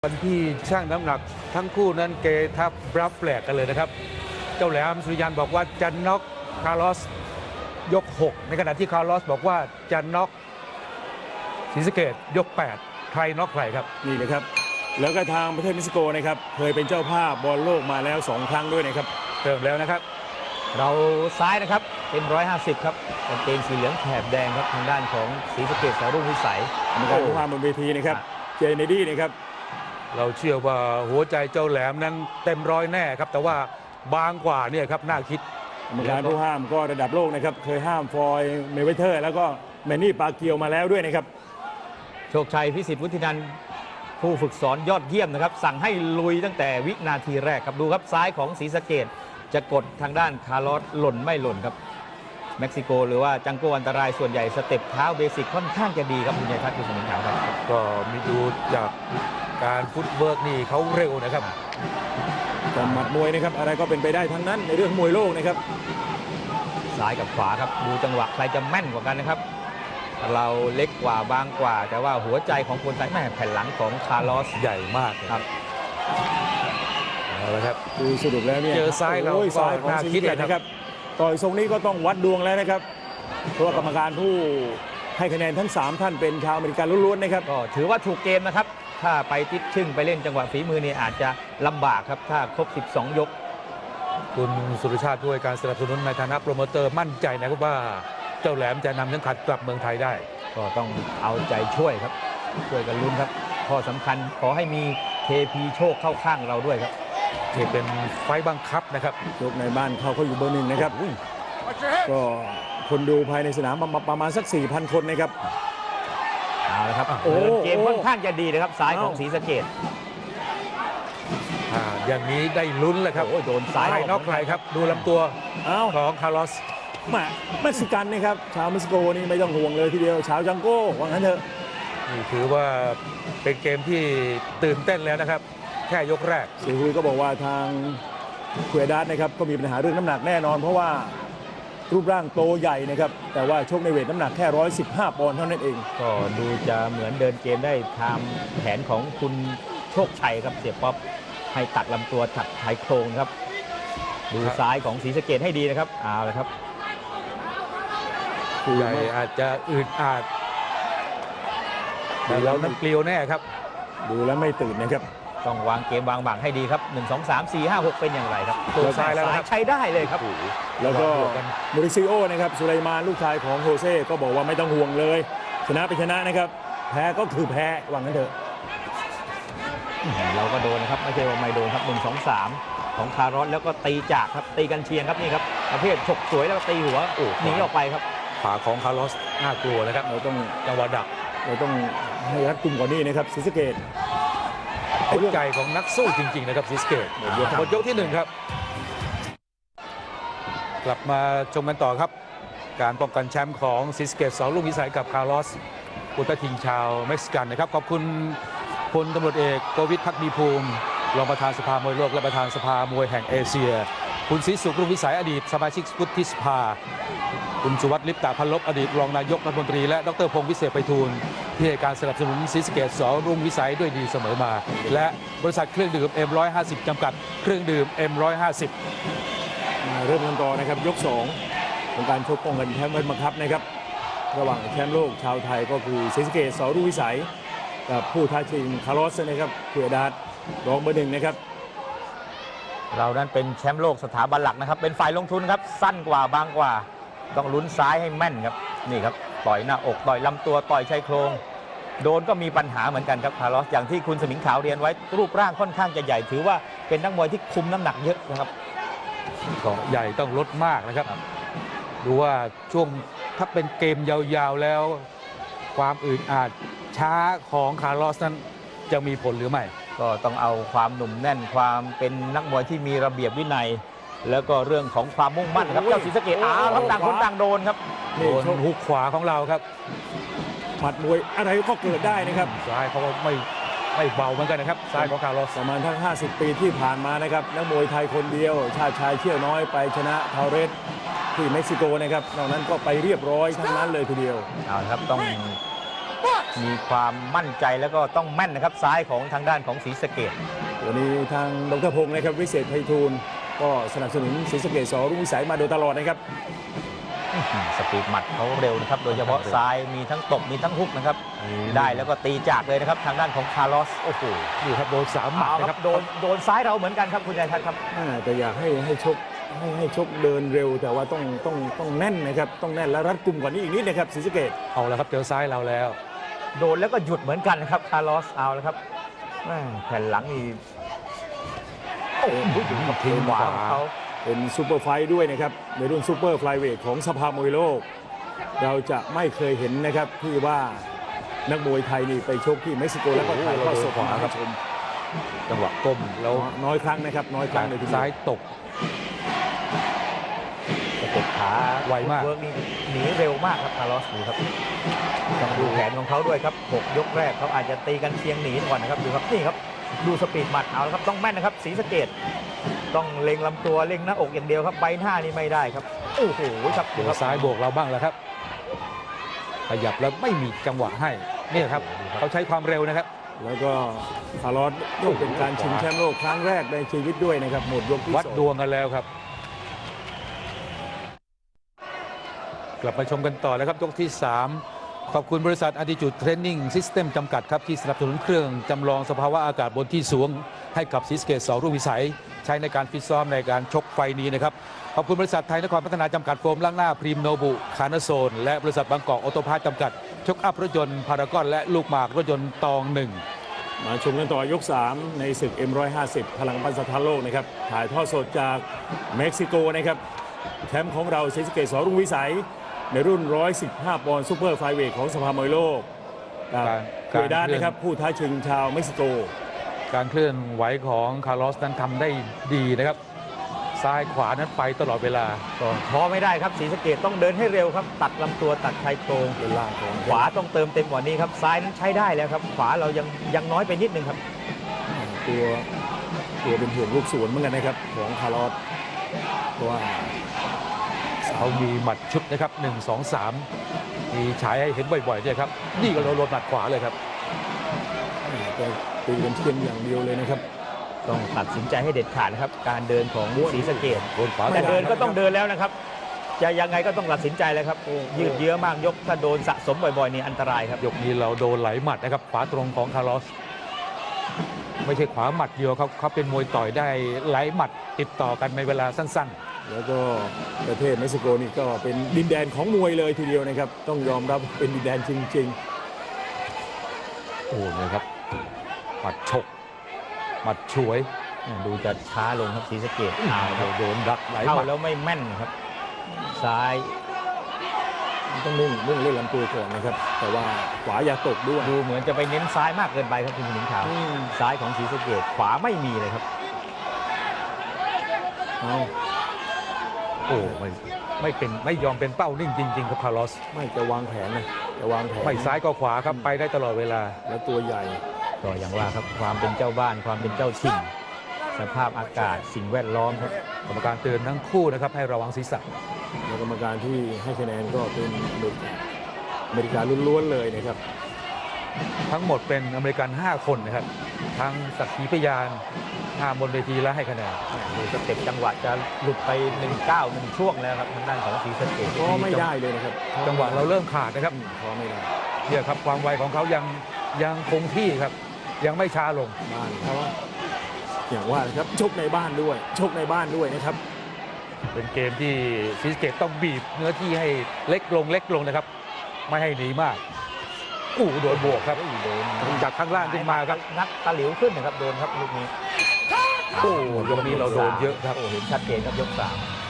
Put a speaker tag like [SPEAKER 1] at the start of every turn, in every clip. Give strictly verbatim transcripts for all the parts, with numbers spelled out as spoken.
[SPEAKER 1] วันที่ช่างน้ำหนักทั้งคู่นั้นเกทับรับแปลกกันเลยนะครับเจ้าแหลมสุริยันบอกว่าจะน็อกคาร์ลอสยกหกในขณะที่คาร์ลอสบอกว่าจะน็อกศรีสะเกษยกแปดใครน็อกใครครับ
[SPEAKER 2] นี่นะครับแล้วก็ทางประเทศเม็กซิโกนะครับเคยเป็นเจ้าภาพบอลโลกมาแล้วสองครั้งด้วยนะครับ
[SPEAKER 1] เติมแล้วนะครับ
[SPEAKER 3] เราซ้ายนะครับเป็นร้อยห้าสิบครับกางเกงสีเหลืองแถบแดงครับทางด้านของศรีสะเกษสรุ่งวิสัย
[SPEAKER 2] มีการพูดความบนเวทีนะครับเจเนดี้นะครับ
[SPEAKER 1] เราเชื่อว่าหัวใจเจ้าแหลมนั้นเต็มร้อยแน่ครับแต่ว่าบางกว่าเนี่ยครับน่าคิด
[SPEAKER 2] มีการผู้ห้ามก็ระดับโลกนะครับเคยห้ามฟอยด์เมเวเทอร์แล้วก็แมนนี่ปาเกียวมาแล้วด้วยนะครับ
[SPEAKER 3] โชคชัยพิสิทธิ์วุฒินันท์ผู้ฝึกสอนยอดเยี่ยมนะครับสั่งให้ลุยตั้งแต่วินาทีแรกครับดูครับซ้ายของศรีสะเกษจะกดทางด้านคาร์ลอสหล่นไม่หล่นครับเม็กซิโกหรือว่าจังโกอันตรายส่วนใหญ่สเต็ปเท้าเบสิกค่อนข้างจะดีครับคุณชัยทัศน์คุณสมิงขาวครับ
[SPEAKER 1] ก็มีดูจากการฟุตเวิร์กนี่เขาเร็วนะครับ
[SPEAKER 2] แต่หมัดมวยนะครับอะไรก็เป็นไปได้ทั้งนั้นในเรื่องมวยโลกนะครับ
[SPEAKER 3] ซ้ายกับขวาครับดูจังหวะใครจะแม่นกว่ากันนะครับเราเล็กกว่าบางกว่าแต่ว่าหัวใจของคนไทยแม่แผ่นหลังของคาร์ลอส
[SPEAKER 1] ใหญ่มากครับเอาละครับ
[SPEAKER 2] ดูสรุปแล้วเนี่ย
[SPEAKER 1] เจอซ้ายเราก็น่าคิดเลยนะครับ
[SPEAKER 2] ต่อยทรงนี้ก็ต้องวัดดวงแล้วนะครับเพราะกรรมการผู้ให้คะแนนทั้งสามท่านเป็นชาวอเมริกันล้วนๆนะครับ
[SPEAKER 3] ก็ถือว่าถูกเกมนะครับถ้าไปติดชึ่งไปเล่นจังหวะฝีมือนี่อาจจะลำบากครับถ้าครบสิบสองยก
[SPEAKER 1] คุณสุรชาติด้วยการสนับสนุนในฐานะโปรโมเตอร์มั่นใจนะครับว่าเจ้าแหลมจะนำเข็มขัดกลับเมืองไทยได้
[SPEAKER 3] ก็ต้องเอาใจช่วยครับช่วยกันลุ้นครับข้อสำคัญขอให้มีเทพีโชคเข้าข้างเราด้วยครับ
[SPEAKER 1] ที่เป็นไฟบังคับนะครับ
[SPEAKER 2] ยกในบ้านเขาเขาอยู่เบอร์หนึ่งนะครับก็คนดูภายในสนามประมาณสัก สี่พัน คนนะครับ
[SPEAKER 3] เอาละครับโอ้เกมค่อนข้างจะดีนะครับซ้ายของศรีสะเกษ
[SPEAKER 1] อย่างนี้ได้ลุ้นเลยครับ
[SPEAKER 3] โดนซ้าย
[SPEAKER 1] นอกใครครับดูลำตัวของคาร์ลอส
[SPEAKER 2] มาเม็กซิกันนะครับชาวเม็กซิโกนี่ไม่ต้องห่วงเลยทีเดียวชาวจังโก้ว่างั้นเถอะ
[SPEAKER 1] นี่ถือว่าเป็นเกมที่ตื่นเต้นแล้วนะครับแค่ยกแรก
[SPEAKER 2] ซีฮุยก็บอกว่าทางเควดัสนะครับก็มีปัญหาเรื่องน้ำหนักแน่นอนเพราะว่ารูปร่างโตใหญ่นะครับแต่ว่าชกในเวทน้ำหนักแค่หนึ่งร้อยสิบห้าปอนด์เท่านั้นเอง
[SPEAKER 3] ก็ดูจะเหมือนเดินเกมได้ตามแผนของคุณโชคชัยครับเสียป๊อปให้ตัดลำตัวตัดชายโครงครับดูซ้ายของศรีสะเกษให้ดีนะครับเอาเลยครับ
[SPEAKER 1] ใหญ่อาจจะอึดอัดแต่เรานั้นเกลียวแน่ครับ
[SPEAKER 2] ดูแล้วไม่ตื่นนะครับ
[SPEAKER 3] ต้องวางเกมวางบังให้ดีครับหนึ่ง สอง สาม สี่ ห้า หกเป็นอย่างไรครับตัวซ้ายแล้วใช้ได้เลยครับ
[SPEAKER 2] แล้วก็มูริซิโอนะครับสุไลมานลูกชายของโฮเซ่ก็บอกว่าไม่ต้องห่วงเลยชนะไปชนะนะครับแพ้ก็คือแพ้หวังกันเถอะ
[SPEAKER 3] เราก็โดนนะครับไม่ใช่ว่าไม่โดนครับหนึ่ง สอง สามของคาร์ลอสแล้วก็ตีจากครับตีกันเชียงครับนี่ครับประเภทฉกสวยแล้วก็ตีหัวหนีออกไปครับ
[SPEAKER 1] ขวาของคาร์ลอสน่ากลัวนะครับเราต้องจังหวะดัก
[SPEAKER 2] เราต้องให้รัดกุมกว่านี้นะครับศรีสะเกษ
[SPEAKER 1] หัวใจของนักสู้จริงๆนะครับศรีสะเกษหมดยกที่หนึ่งครับกลับมาชมกันต่อครับการป้องกันแชมป์ของศรีสะเกษส.รุ่งวิสัยกับคาร์ลอสอุตทิงชาวเม็กซิกันนะครับขอบคุณพลตำรวจเอกโกวิทภักดีภูมิรองประธานสภามวยโลกและประธานสภามวยแห่งเอเชียคุณศรีสุขรุ่งวิสัยอดีตสมาชิกวุฒิสภาคุณสุวัฒน์ลิปตาพันลบอดีตรองนายกรัฐมนตรีและดรพงศ์วิเศษไพฑูรย์ที่ให้การสนับสนุนศรีสะเกษส.รุ่งวิสัยด้วยดีเสมอมาและบริษัทเครื่องดื่ม เอ็ม หนึ่งร้อยห้าสิบ จำกัดเครื่องดื่ม เอ็ม หนึ่งร้อยห้าสิบ
[SPEAKER 2] เริ่มกันต่อนะครับยกสองของการชกป้องกันแชมป์วันบังคับนะครับระหว่างแชมป์โลกชาวไทยก็คือศรีสะเกษส.รุ่งวิสัยกับผู้ท้าชิงคาร์ลอสนะครับเควดัสรองเบอร์หนึ่งนะครับ
[SPEAKER 3] เรานั้นเป็นแชมป์โลกสถาบันหลักนะครับเป็นฝ่ายลงทุนครับสั้นกว่าบางกว่าต้องลุ้นซ้ายให้แม่นครับนี่ครับต่อยหน้าอกต่อยลำตัวต่อยชายโครงโดนก็มีปัญหาเหมือนกันครับคาร์ลอสอย่างที่คุณสมิงขาวเรียนไว้รูปร่างค่อนข้างจะใหญ่ถือว่าเป็นนักมวยที่คุมน้ำหนักเยอะนะครับ
[SPEAKER 1] ก็ใหญ่ต้องลดมากนะครับดูว่าช่วงถ้าเป็นเกมยาวๆแล้วความอึดอัดช้าของคาร์ลอสนั้นจะมีผลหรือไม่
[SPEAKER 3] ก็ต้องเอาความหนุ่มแน่นความเป็นนักมวยที่มีระเบียบวินัยแล้วก็เรื่องของความมุ่งมั่นครับเจ้าศรีสะเกษอ้าวครับต่างคนต่างโดนครับ
[SPEAKER 1] โดนหุกขวาของเราครับ
[SPEAKER 2] หมัดมวยอะไรก็เกิดได้นะครับ
[SPEAKER 1] ซ้ายเขาไม่ไม่เบาเหมือนกันนะครับซ้ายของคาร์ลอส
[SPEAKER 2] ประมาณทั้งห้าสิบปีที่ผ่านมานะครับนักมวยไทยคนเดียวชาติชายเชี่ยวน้อยไปชนะทาเรสที่เม็กซิโกนะครับนอกนั้นก็ไปเรียบร้อยทั้งนั้นเลยทีเดียว
[SPEAKER 3] เอาครับต้องมีความมั่นใจแล้วก็ต้องแม่นนะครับซ้ายของทางด้านของศรีสะเกษ
[SPEAKER 2] วันนี้ทางดรพงศ์นะครับวิเศษไพฑูรย์ก็สนับสนุนศรีสะเกษสรุ่งวิสัยมาโดยตลอดนะครับ
[SPEAKER 3] สปีดหมัดเขาเร็วนะครับโดยเฉพาะซ้ายมีทั้งตบมีทั้งฮุกนะครับได้แล้วก็ตีจากเลยนะครับทางด้านของคาร์ลอสโอ้โห
[SPEAKER 1] นี่ครับโดนสามหมัด
[SPEAKER 3] เอา
[SPEAKER 1] นะ
[SPEAKER 3] ค
[SPEAKER 1] ค
[SPEAKER 3] รั
[SPEAKER 1] รั
[SPEAKER 3] บบ โดนโดนซ้ายเราเหมือนกันครับคุณชัยทัศน์ครับ
[SPEAKER 2] อ่าแต่อยากให้ให้ชกให้ให้ชกเดินเร็วแต่ว่าต้องต้องต้องแน่นนะครับต้องแน่นและรัดกุมกว่านี้อีกนิดนะครับศรีสะเกษ
[SPEAKER 1] เอาแล้วครับเจอซ้ายเราแล้ว
[SPEAKER 3] โดนแล้วก็หยุดเหมือนกันนะครับคาร์ลอสเอาแล้วครับแม่แผ่นหลังนี่โอ้โหถึงกับทิ้งขวาของเขา
[SPEAKER 2] เป็นซูเปอร์ไฟท์ด้วยนะครับในรุ่นซูเปอร์ไฟลายเวทของสภามวยโลก เราจะไม่เคยเห็นนะครับที่ว่านักมวยไทยนี่ไปชกที่เม็กซิโกแล้วก็ถ่ายทอดสดให้ผู้ชม
[SPEAKER 1] จังหวะก้มแล้ว
[SPEAKER 2] น้อยครั้งนะครับน้อยครั้งเลยทีเดียว
[SPEAKER 1] ซ้ายตก
[SPEAKER 3] สะกดขา
[SPEAKER 1] ไวมาก
[SPEAKER 3] เวิร์กนี่หนีเร็วมากครับคาร์ลอสดูครับต้องดูแผนของเขาด้วยครับหกยกแรกเขาอาจจะตีกันเชียงหนีก่อนนะครับดูครับนี่ครับดูสปีดหมัดเอาละครับต้องแม่นนะครับศรีสะเกษต้องเล็งลำตัวเล็งหน้าอกอย่างเดียวครับใบหน้านี่ไม่ได้ครับโอ้โหครับดู
[SPEAKER 1] เดี๋ย
[SPEAKER 3] คว รับ
[SPEAKER 1] ซ้ายโบกเราบ้างแล้วครับขยับแล้วไม่มีจังหวะให้นี่ครับเขาใช้ความเร็วนะครับ
[SPEAKER 2] แล้วก็คาร์ลอสก็เป็นการชิงแชมป์โลกครั้งแรกในชีวิตด้วยนะครับหมดยกที่
[SPEAKER 1] วัด
[SPEAKER 2] สอง
[SPEAKER 1] ดวงกันแล้วครับ กลับมาชมกันต่อแล้วครับยกที่ สาม ขอบคุณบริษัท Attitude Training System จำกัดครับที่สนับสนุนเครื่องจำลองสภาวะอากาศบนที่สูงให้กับศรีสะเกษสรุ่งวิสัยใช้ในการฟิตซ้อมในการชกไฟนี้นะครับขอบคุณบริษัทไทยนครพัฒนาจำกัดโฟมล้างหน้าพรีมโนบุคานาโซนและบริษัทบางกอกออโตพาร์ทจำกัดชกอัพรถยนต์พารากอนและลูกหมากรถยนต์ตองหนึ่ง
[SPEAKER 2] มาชมกันต่อยก สาม ในศึก เอ็ม หนึ่งห้าศูนย์ พลังปันสถานโลกนะครับถ่ายทอดสดจากเม็กซิโกนะครับแชมป์ของเราศรีสะเกษสรุ่งวิสัยในรุ่นหนึ่งร้อยสิบห้าปอนด์ซูเปอร์ไฟลายเวทของสภามวยโลกกับ
[SPEAKER 1] การ
[SPEAKER 2] เคยด้านนะครับผู้ท้าชิงชาวเม็กซิโก
[SPEAKER 1] การเคลื่อนไหวของคาร์ลอสนั้นทำได้ดีนะครับซ้ายขวานั้นไปตลอดเวลา
[SPEAKER 3] ก็ท้อไม่ได้ครับศรีสะเกษต้องเดินให้เร็วครับตัดลำตัวตัดชายโครง
[SPEAKER 2] เป็นล่างของ
[SPEAKER 3] ขวาต้องเติมเต็มกว่านี้ครับซ้ายนั้นใช้ได้แล้วครับขวาเรายังยังน้อยไปนิดนึงครับ
[SPEAKER 2] ตัวตัวเป็นห่วงลูกสวนเหมือนกันนะครับของคาร์ลอสเพราะว่า
[SPEAKER 1] เขามีหมัดชุดนะครับหนึ่ง สอง สามมีฉายให้เห็นบ่อยๆเนี่ยครับนี่ก็โดนหมัดขวาเลยครับ
[SPEAKER 2] แต่ตีกันเชียงอย่างเดียวเลยนะครับ
[SPEAKER 3] ต้องตัดสินใจให้เด็ดขาดนะครับการเดินของศรีสะเกษ
[SPEAKER 1] โดนขวา
[SPEAKER 3] แต่เดินก็ต้องเดินแล้วนะครับจะยังไงก็ต้องตัดสินใจเลยครับยืดเยื้อมากยกถ้าโดนสะสมบ่อยๆนี่อันตรายครับ
[SPEAKER 1] ยกนี้เราโดนไหลหมัดนะครับขวาตรงของคาร์ลอสไม่ใช่ขวาหมัดเดียวเขาเขาเป็นมวยต่อยได้ไหลหมัดติดต่อกันในเวลาสั้น
[SPEAKER 2] แล้วก็ประเทศเม็กซิโกนี่ก็เป็นดินแดนของมวยเลยทีเดียวนะครับต้องยอมรับเป็นดินแดนจริง
[SPEAKER 1] ๆ โอ้เนี่ยครับหมัดฉกหมัดฉวย
[SPEAKER 3] ดูจะช้าลงครับศรีสะเกษ
[SPEAKER 1] อ้าวโดนดักไหล
[SPEAKER 3] เข้า
[SPEAKER 1] หมัด
[SPEAKER 3] แล้วไม่แม่นครับซ้าย
[SPEAKER 2] ๆ ต้องมุ่งมุ่งเล่นลำตัวก่อนนะครับแต่ว่าขวาอย่าตกด้วย
[SPEAKER 3] ดูเหมือนจะไปเน้นซ้ายมากเกินไปครับคุณหนิงขาว
[SPEAKER 2] อืม
[SPEAKER 3] ซ้ายของศรีสะเกษขวาไม่มีเลยครับ
[SPEAKER 2] เอา
[SPEAKER 1] โอ้ไม่ไม่เป็นไม่ยอมเป็นเป้านิ่งจริงๆครับคาร์ลอส
[SPEAKER 2] ไม่จะวางแผนนะจะวางแผน
[SPEAKER 1] ไม่ซ้ายก็ขวาครับไปได้ตลอดเวลา
[SPEAKER 2] แล้วตัวใหญ่
[SPEAKER 3] ก็อย่างว่าครับความเป็นเจ้าบ้านความเป็นเจ้าถิ่นสภาพอากาศสิ่งแวดล้อมครับ
[SPEAKER 1] กรรมการเตือนทั้งคู่นะครับให้ระวังศีรษะ
[SPEAKER 2] แล้วกรรมการที่ให้คะแนนก็เป็นอเมริกาอเมริกาล้วนๆเลยนะครับ
[SPEAKER 1] ทั้งหมดเป็นอเมริกัน ห้า คนนะครับทั้งสักขีพยานห้าบนเวทีและให้คะแนน
[SPEAKER 3] ดูสเต็ปจังหวะจะหลุดไปหนึ่งเก้าหนึ่งช่วงแล้วครับทางด้านของศรีสะเกษ
[SPEAKER 2] ก็ไม่ได้เลยนะครับ
[SPEAKER 1] จังหวะเราเริ่มขาดนะครับ
[SPEAKER 2] อืมก็ไม่ได้
[SPEAKER 1] เนี่ยครับความไวของเขายังยังคงที่ครับยังไม่ช้าลง
[SPEAKER 2] บ้านเพราะว่าอย่างว่านะครับชกในบ้านด้วยชกในบ้านด้วยนะครับ
[SPEAKER 1] เป็นเกมที่ศรีสะเกษต้องบีบเนื้อที่ให้เล็กลงเล็กลงนะครับ ไม่ให้หนีมากอู้โดนบวกครับ
[SPEAKER 3] โดน
[SPEAKER 1] จากข้างล่างขึ้นมาครับ
[SPEAKER 3] งัดตะหลิวขึ้นนะครับโดนครับลูกนี้
[SPEAKER 1] โอ้ยกนี้เราโดนเยอะครับ
[SPEAKER 3] โอ้เห็นชัดเจนครับยกสาม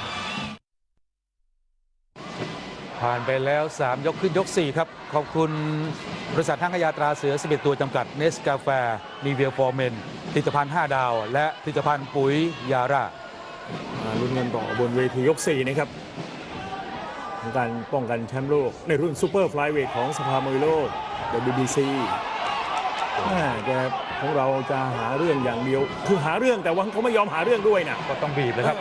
[SPEAKER 1] ผ่านไปแล้ว สาม ยกขึ้นยก สี่ ครับ ขอบคุณบริษัทห้างขายาตราเสือสิบเอ็ดตัวจำกัดเนสกาแฟนีเวียฟอร์เมนผลิตภัณฑ์ห้าดาว และผลิตภัณฑ์ปุ๋ยยาร่า
[SPEAKER 2] มาลุ้นกันต่อบนเวทียกสี่นะครับของการป้องกันแชมป์โลกในรุ่นซูเปอร์ไฟลายเวทของสภามวยโลก ดับเบิลยู บี ซี แม่แกของเราจะหาเรื่องอย่างเดียวคือหาเรื่องแต่ว่าเขาไม่ยอมหาเรื่องด้วยนะ
[SPEAKER 1] ก็ต้องบีบเลยครับ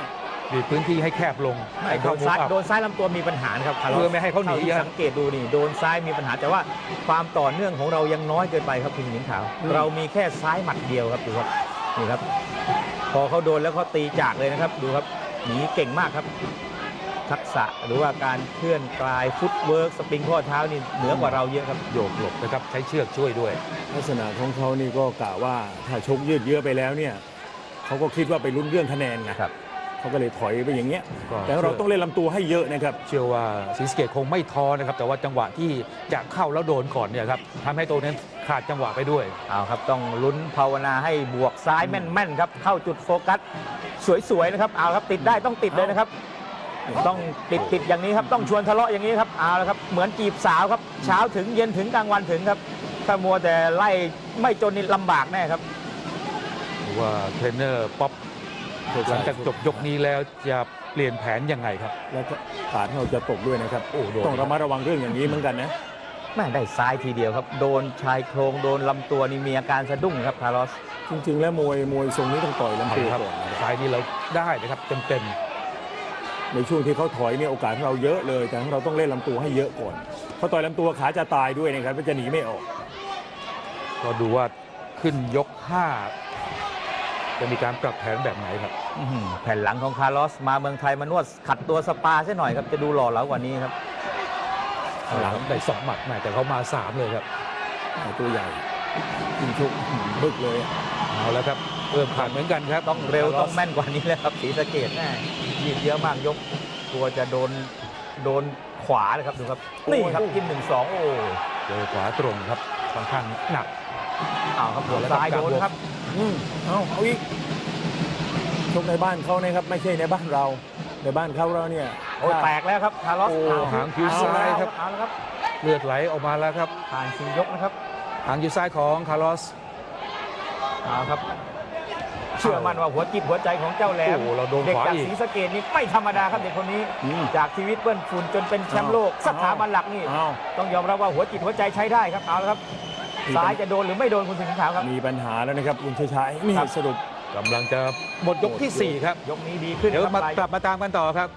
[SPEAKER 1] บีบพื้นที่ให้แคบลง
[SPEAKER 3] ไม่
[SPEAKER 1] ให้
[SPEAKER 3] โด
[SPEAKER 1] เข้านมุม
[SPEAKER 3] ซ้าย
[SPEAKER 1] อัพ
[SPEAKER 3] โดนซ้ายลำตัวมีปัญหานะครับคาร์ลอส
[SPEAKER 1] เพื่อไม่ให้เขาหนี
[SPEAKER 3] ท่ที่
[SPEAKER 1] อะ
[SPEAKER 3] สังเกตดูนี่โดนซ้ายมีปัญหาแต่ว่าความต่อเนื่องของเรายังน้อยเกินไปครับคุณหญิงขาว เรามีแค่ซ้ายหมัดเดียวครับดูครับนี่ครับ พอเขาโดนแล้วเขาตีจากเลยนะครับดูครับหนีเก่งมากครับ ทักษะหรือว่าการเคลื่อนกลายฟุตเวิร์กสปริงข้อเท้านี่เหนือกว่าเราเยอะครับ
[SPEAKER 1] โยกหลบนะครับใช้เชือกช่วยด้วย
[SPEAKER 2] ลักษณะของเขานี่ก็กะว่าถ้าชกยืดเยื้อไปแล้วเนี่ยเขาก็คิดว่าไปลุ้นเรื่องคะแนนไง
[SPEAKER 3] ครับ
[SPEAKER 2] เขาก็เลยถอยไปอย่างเงี้ย
[SPEAKER 1] ก็
[SPEAKER 2] แต่เราต้องเล่นลำตัวให้เยอะนะครับ
[SPEAKER 1] เชื่อว่าศรีสะเกษคงไม่ท้อนะครับ แต่ว่าจังหวะที่จะเข้าแล้วโดนก่อนเนี่ยครับทำให้ตัวนั้นขาดจังหวะไปด้วย
[SPEAKER 3] เอาครับต้องลุ้นภาวนาให้บวกซ้ายแม่นๆครับเข้าจุดโฟกัสสวยๆนะครับเอาครับติดได้ต้องติดเลยนะครับ ต้องติดติดอย่างนี้ครับต้องชวนทะเลาะอย่างนี้ครับเอาละครับเหมือนจีบสาวครับเช้าถึงเย็นถึงกลางวันถึงครับถ้ามัวแต่ไล่ไม่จนนี่ลำบากแน่ครับ
[SPEAKER 1] หรือว่าเทรนเนอร์ป๊อปหลังจากจบยกนี้แล้วจะเปลี่ยนแผนยังไงครับ
[SPEAKER 2] แล้วก็ขาดเราจะตกด้วยนะครับ
[SPEAKER 1] โอ้โดน
[SPEAKER 2] ต้องระมัดระวังเรื่องอย่างนี้เหมือนกันนะ
[SPEAKER 3] แม่ได้ซ้ายทีเดียวครับ โดนชายโครงโดนลำตัวนี่มีอาการสะดุ้งครับคาร์ลอส
[SPEAKER 2] จริงๆ แล้วมวยมวยทรงนี้ต้องต่อยลำ
[SPEAKER 1] เอา
[SPEAKER 2] ตัว
[SPEAKER 1] ละครับ
[SPEAKER 2] ก่อนนะครับ
[SPEAKER 1] ซ้ายนี้เราได้นะครับเต็ม
[SPEAKER 2] ในช่วงที่เขาถอยเนี่ยโอกาสของเราเยอะเลย แต่ของเราต้องเล่นลำตัวให้เยอะก่อนเขาต่อยลำตัวขาจะตายด้วยนะครับมันจะหนีไม่ออก
[SPEAKER 1] ๆก็ดูว่าขึ้นยกห้าจะมีการปรับแผนแบบไหนครับ
[SPEAKER 3] อื้อหือแผ่นหลังของคาร์ลอสมาเมืองไทยมานวดขัดตัวสปาซะหน่อยครับจะดูหล่อเหลากว่านี้ครับ
[SPEAKER 1] หลังได้สองหมัดแม่แต่เขามาสามเลยครับ
[SPEAKER 2] ตัวใหญ่ยิงชุกบึกเลย
[SPEAKER 1] เอาแล้วครับเริ่มขาดเหมือนกันครับ
[SPEAKER 3] ต้องเร็วต้องแม่นกว่านี้แล้วครับศรีสะเกษแน่ยืดเยอะมากยกตัวจะโดนโดนขวาเลยครับดูครับนี่ครับกินหนึ่งสองโอ้
[SPEAKER 1] เจอขวาตรงครับค่อนข้างหนัก
[SPEAKER 3] เอาครับหัวซ้ายโดนครับ
[SPEAKER 2] อืมเอาเอาอีกชกในบ้านเขานะครับไม่ใช่ในบ้านเรา ในบ้านเขาเราเนี่ย
[SPEAKER 3] โอ้ยแตกแล้วครับคาร์ลอส
[SPEAKER 1] โอ้
[SPEAKER 3] เอ
[SPEAKER 1] หางคิ้ว
[SPEAKER 3] เอ
[SPEAKER 1] ซ้ายครับ
[SPEAKER 3] เอาแล้วครับ
[SPEAKER 1] เลือดไหลออกมาแล้วครับ
[SPEAKER 3] ผ่านสี่ยกนะครับ
[SPEAKER 1] หางคิ้วซ้ายของคาร์ลอส
[SPEAKER 3] เอาครับ เชื่อมั่นว่าหัวจิตหัวใจของเจ้าแหลม
[SPEAKER 1] โอ้โหเราโดน
[SPEAKER 3] เด็ก
[SPEAKER 1] ขวา
[SPEAKER 3] จาก
[SPEAKER 1] อีก
[SPEAKER 3] ศรีสะเกษนี่ไม่ธรรมดาครับเด็กคนนี้
[SPEAKER 2] อืม
[SPEAKER 3] จากชีวิตเปื้อนฝุ่นจนเป็นแชมป์โลกสถาบันหลักนี่
[SPEAKER 2] เอา
[SPEAKER 3] ต้องยอมรับว่าหัวจิตหัวใจใช้ได้ครับเอาละครับ
[SPEAKER 2] มี
[SPEAKER 3] ซ้าย
[SPEAKER 2] ปัญ
[SPEAKER 3] จะโดนหรือไม่โดนคุณสิงห์ขาวครับ
[SPEAKER 2] มีปัญหาแล้วนะครับคุณชัยชัยนี่
[SPEAKER 3] ครับ
[SPEAKER 2] สรุป
[SPEAKER 1] กำลังจะหมดยกที่สี่ครับ
[SPEAKER 3] ยกนี้ดีขึ้น
[SPEAKER 1] เดี๋ยว
[SPEAKER 3] ครับ
[SPEAKER 1] มา
[SPEAKER 3] ปลาย
[SPEAKER 1] กลับมาตามกันต่อครับ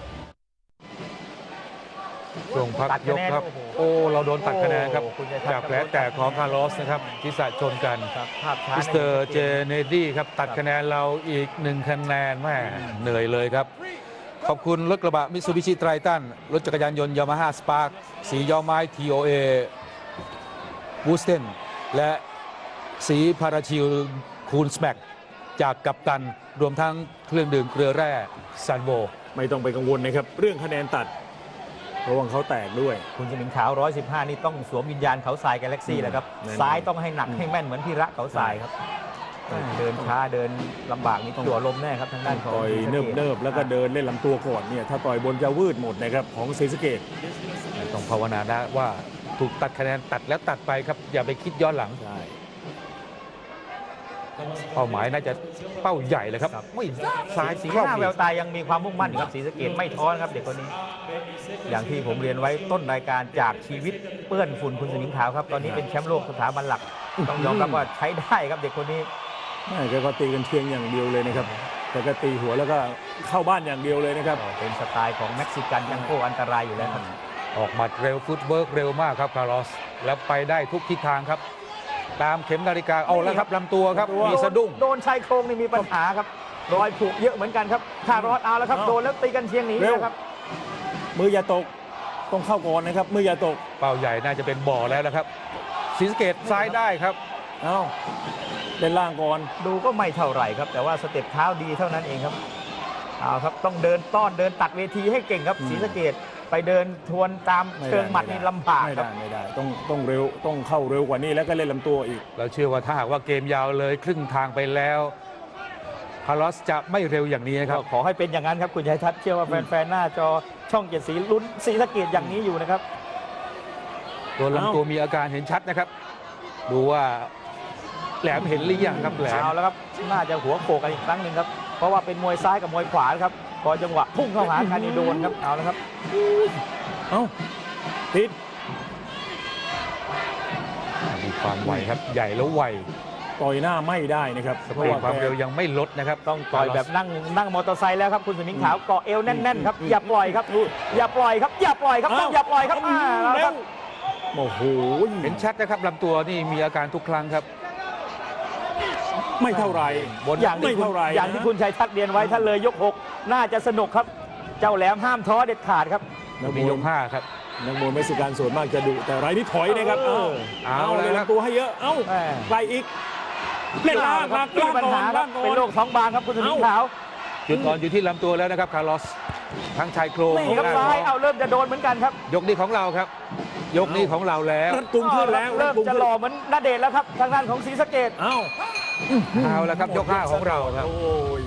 [SPEAKER 1] ช่วงพัก
[SPEAKER 3] ตัด
[SPEAKER 1] ย
[SPEAKER 3] คะ
[SPEAKER 1] ก
[SPEAKER 3] แนน
[SPEAKER 1] ครับ
[SPEAKER 3] โอ้โห
[SPEAKER 1] โอ้เราโดนตัดคะแนนครับ
[SPEAKER 3] โอ้คุณชัยทัศน์
[SPEAKER 1] จากแผลแตกของคาร์ลอสนะครับทิศะชนกัน
[SPEAKER 3] ครับภาพช้า
[SPEAKER 1] มิสเตอร์เจเนดี้ครับตัด
[SPEAKER 3] ครับ
[SPEAKER 1] คะแนนเราอีกหนึ่งคะแนนแม่เหนื่อยเลยครับ ขอบคุณรถกระบะมิตซูบิชิไตรตันรถจักรยานยนต์ยามาฮ่าสปาร์คสีย้อมไม้ ที โอ เอ บูสเทนและสีพาราชิลคูนสแมกจากกัปตัน รวมทั้งเครื่องดื่มเกลือแร่ซันโว
[SPEAKER 2] ไม่ต้องไปกังวลนะครับ เรื่องคะแนนตัดระวังเขาแตกด้วย
[SPEAKER 3] คุณสมิงขาว หนึ่งร้อยสิบห้า นี่ต้องสวมวิญญาณเขาทรายกาแล็กซี่แหละครับ
[SPEAKER 2] แน่นอน
[SPEAKER 3] ซ้ายต้องให้หนักให้แม่นเหมือนพี่ระเขาทรายครับเดินช้าเดินลำบากนี่จั่วลมแน่ครับทางด้านของ
[SPEAKER 2] ต่อย
[SPEAKER 3] ศรีสะ
[SPEAKER 2] เนิบ
[SPEAKER 3] กษ
[SPEAKER 2] เนิบๆแล้วก็เดินเล่นลำตัวก่อนเนี่ยถ้าต่อยบนจะวืดหมดนะครับของศรีสะเกษ
[SPEAKER 1] ต้องภาวนานะว่าถูกตัดคะแนนตัดแล้วตัดไปครับ อย่าไปคิดย้อนหลัง
[SPEAKER 2] ใช่
[SPEAKER 1] เป้าหมายน่าจะเป้าใหญ่เลยครับไม่ซ้าย
[SPEAKER 3] สี
[SPEAKER 1] เข้า
[SPEAKER 3] หน้า
[SPEAKER 1] อี
[SPEAKER 3] แว
[SPEAKER 1] ก
[SPEAKER 3] วตายังมีความมุ่งมั่นอยู่ครับศรีสะเกษไม่ท้อนะครับเด็กคนนี้ อย่างที่ผมเรียนไว้ต้นรายการจากชีวิตเปื้อนฝุ่นคุณสมิงขาวครับ ตอนนี้เป็นแชมป์โลกสถาบันหลัก ต้องยอมรับว่าใช้ได้ครับเด็กคนนี้
[SPEAKER 2] ไม่แกก็ตีกันเชียงอย่างเดียวเลยนะครับแต่ก็ตีหัวแล้วก็เข้าบ้านอย่างเดียวเลยนะครับ
[SPEAKER 3] ก็เป็นสไตล์ของเม็กซิกันยังโคอันตรายอยู่แล้วครับ
[SPEAKER 1] ออกหมัดเร็วฟุตเวิร์กเร็วมากครับคาร์ลอส แล้วไปได้ทุกทิศทางครับ ตามเข็มนาฬิกาเอาแล้วครับลำตัวครับ
[SPEAKER 2] ลำตัว
[SPEAKER 1] มีสะดุ้ง
[SPEAKER 3] โดนชายโครงนี่มีปัญหาครับ รอยผูกเยอะเหมือนกันครับคารอดเอาแล้วครับ
[SPEAKER 2] เอา
[SPEAKER 3] โดนแล้วตีกันเชียงหนี
[SPEAKER 2] เร็ว
[SPEAKER 3] นะครับ
[SPEAKER 2] มืออย่าตกต้องเข้าก่อนนะครับมืออย่าตก
[SPEAKER 1] เป้าใหญ่น่าจะเป็นบ่อแล้วนะครับศรีสะเกษซ้ายได้ครับ
[SPEAKER 2] เอาเล่นล่างก่อน
[SPEAKER 3] ดูก็ไม่เท่าไหร่ครับ แต่ว่าสเต็ปเท้าดีเท่านั้นเองครับเอาครับต้องเดินต้อนเดินตัดเวทีให้เก่งครับ
[SPEAKER 2] อืม
[SPEAKER 3] ศรีสะเกษไปเดินทวนตามเชิงหมัดนี่ลำบาก
[SPEAKER 2] ไม่
[SPEAKER 3] ครั
[SPEAKER 2] ได้
[SPEAKER 3] บ
[SPEAKER 2] ไม่ได้ต้องต้องเร็วต้องเข้าเร็วกว่านี้แล้วก็เล่นลำตัวอีก
[SPEAKER 1] เราเชื่อว่าถ้าหากว่าเกมยาวเลยครึ่งทางไปแล้วคาร์ลอสจะไม่เร็วอย่างนี้นะครับ
[SPEAKER 3] ก็ขอให้เป็นอย่างนั้นครับคุณชัยทัศน์เชื่อว่าแฟนๆหน้าจอช่องเจ็ดสีลุ้นศรีสะเกษอย่างนี้อยู่นะครับ
[SPEAKER 1] ตัวลำตัวมีอาการเห็นชัดนะครับ ดูว่าแหลมเห็นหรือยังครับแหลม
[SPEAKER 3] เอาแล้วครับน่าจะหัวโขกกันอีกครั้งหนึ่งครับเพราะว่าเป็นมวยซ้ายกับมวยขวาครับพอจังหวะพุ่งเข้าหากันนี่โดนครับเอาแล้วครับ
[SPEAKER 2] เอ้าติด
[SPEAKER 1] มีความไวครับ ใหญ่แล้วไว
[SPEAKER 2] ต่อยหน้าไม่ได้นะครับ
[SPEAKER 1] สปีดความเร็วยังไม่ลดนะครับ
[SPEAKER 3] ต้องต่อยแบบนั่งนั่งมอเตอร์ไซค์แล้วครับคุณสมิงขาวเกาะเอวแน่นๆครับอย่าปล่อยครับอย่าปล่อยครับอย่าปล่อยครับต้องอย่าปล่อยครับอ่าแล้ว
[SPEAKER 2] เร็
[SPEAKER 3] ครั
[SPEAKER 2] ว
[SPEAKER 3] บ
[SPEAKER 2] โอ้โห
[SPEAKER 1] เห็นชัดนะครับลำตัวนี่มีอาการทุกครั้งครับ
[SPEAKER 2] ไม่เท่าไหร
[SPEAKER 1] บน
[SPEAKER 3] อย่างที่
[SPEAKER 2] ไม่
[SPEAKER 3] คุณ
[SPEAKER 2] เท่าไหร่
[SPEAKER 3] อย่างที่คุณชัยทัศน์เรียนไว้ถ้าเลยยกหกน่าจะสนุกครับ เจ้าแหลมห้ามท้อเด็ดขาดครับ
[SPEAKER 2] นักม
[SPEAKER 1] มี
[SPEAKER 2] วย
[SPEAKER 1] ยกห้าครับ
[SPEAKER 2] นักมวยเม็กซิกันส่วนมากจะดุแต่รายนี้ถอยนะครับ
[SPEAKER 3] เอ
[SPEAKER 2] เอา
[SPEAKER 3] อ
[SPEAKER 2] เอา
[SPEAKER 1] เอา
[SPEAKER 2] เลย
[SPEAKER 1] แล้วครับ
[SPEAKER 2] ลำตัวให้เยอะเอ้า
[SPEAKER 3] แม่
[SPEAKER 2] ไกลอีกเล่นล่างครับ
[SPEAKER 3] มี
[SPEAKER 2] ล่าง
[SPEAKER 3] ปัญ
[SPEAKER 2] ก่อ
[SPEAKER 3] หาน ครั
[SPEAKER 2] ล่า
[SPEAKER 3] บ
[SPEAKER 2] งก่อ
[SPEAKER 3] เป็น
[SPEAKER 2] น
[SPEAKER 3] โรคท้องบางครับคุณสมิงขาว
[SPEAKER 1] จุดอ่อนอยู่ที่ลำตัวแล้วนะครับคาร์ลอสทั้งชายโครง
[SPEAKER 3] นี่ครับ
[SPEAKER 1] ของ
[SPEAKER 3] ซ้าย
[SPEAKER 1] เรา
[SPEAKER 3] เอาเริ่มจะโดนเหมือนกันครับ
[SPEAKER 1] ยกนี้ของเราครับ ยกนี้ของเราแล้ว
[SPEAKER 2] รัดกุมขึ้นแล้ว
[SPEAKER 3] เริ่ม
[SPEAKER 2] ดกุ
[SPEAKER 3] จะ
[SPEAKER 2] ขึ้น
[SPEAKER 3] หล่อเหมือนณเดชน์แล้วครับทางด้านของศรีสะเกษ
[SPEAKER 2] เอ้า
[SPEAKER 1] เอาแล้วครับยกห้าของเราครับ
[SPEAKER 2] โอ้ย